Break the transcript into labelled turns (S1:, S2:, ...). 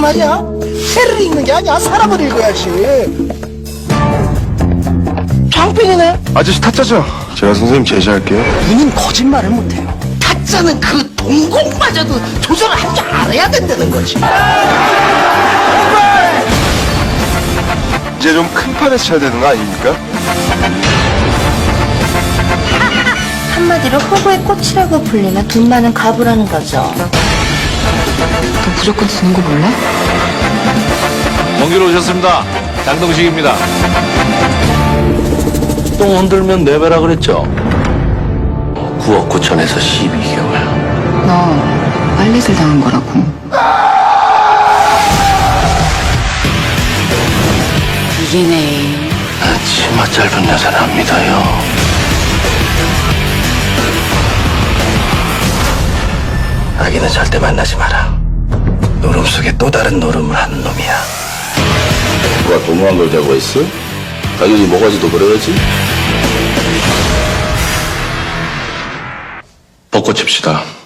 S1: 말이야. 새를 읽는 게 아니야. 사람을 읽어야지. 장빈이네.
S2: 아저씨 타짜죠? 제가 선생님 제시할게요.
S1: 누님 거짓말을 못해요. 타짜는 그 동공마저도 조절을 할 줄 알아야 된다는 거지.
S2: 이제 좀 큰 판에서 쳐야 되는 거 아닙니까?
S3: 한마디로 호구의 꽃이라고 불리면 돈 많은 가부라는 거죠.
S4: 너 무조건 드는 거 몰래?
S5: 먼 길 오셨습니다. 장동식입니다.
S6: 똥 흔들면 내배라 그랬죠? 9억 9천에서 12개월.
S4: 너 빨래질 당한 거라고. 이기네.
S6: 치마 짧은 여자는 안 믿어요. 아기는 절대 만나지 마라. 노름 속에 또 다른 노름을 하는 놈이야. 누가 도무한 걸 자고 있어? 당연히 모가지도 그래야지. 벚꽃 칩시다.